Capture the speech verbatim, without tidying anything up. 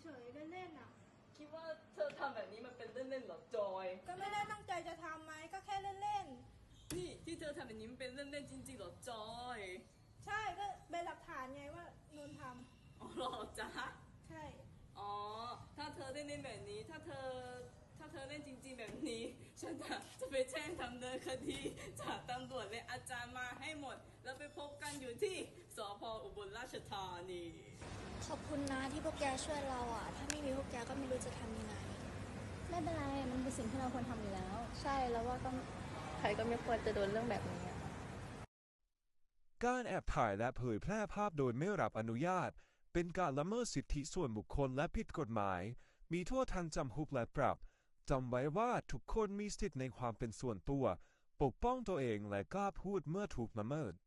ฉยๆเล่นๆอ่ะคิดว่าเธอทำแบบนี้มันเป็นเล่นๆหรอจอยก็ไม่ได้ตั้งใจจะทำไหมก็แค่เล่นนี่ที่เธอทำแบบนี้มันเป็นเล่นๆจริงๆหรอจอยๆใช่ก็เป็นหลักฐานไงว่านนทอ๋อหรอจ๊ะำใช่อ๋อถ้าเธอได้เล่นแบบนี้ถ้าเธอถ้าเธอเล่นจริงๆแบบนี้ฉันจะจะไปแจ้งทำเนินคดีจากตำรวจและอาจารย์มาให้หมดแล้วไปพบกันอยู่ที่สพอุบลราชธานีขอบคุณนะที่พวกแกช่วยเราอ่ะถ้าไม่มีพวกแกก็ไม่รู้จะทำยังไงไม่เป็นไรมันเป็นสิ่งที่เราควรทำอยู่แล้วใช่แล้วว่าก็ใครก็ไม่ควรจะโดนเรื่องแบบนี้การแอบถ่ายและเผยแพร่ภาพโดยไม่รับอนุญาตเป็นการละเมิดสิทธิส่วนบุคคลและผิดกฎหมายมีโทษทั้งจำคุกและปรับจำไว้ว่าทุกคนมีสิทธิในความเป็นส่วนตัวปกป้องตัวเองและกล้าพูดเมื่อถูกละเมิด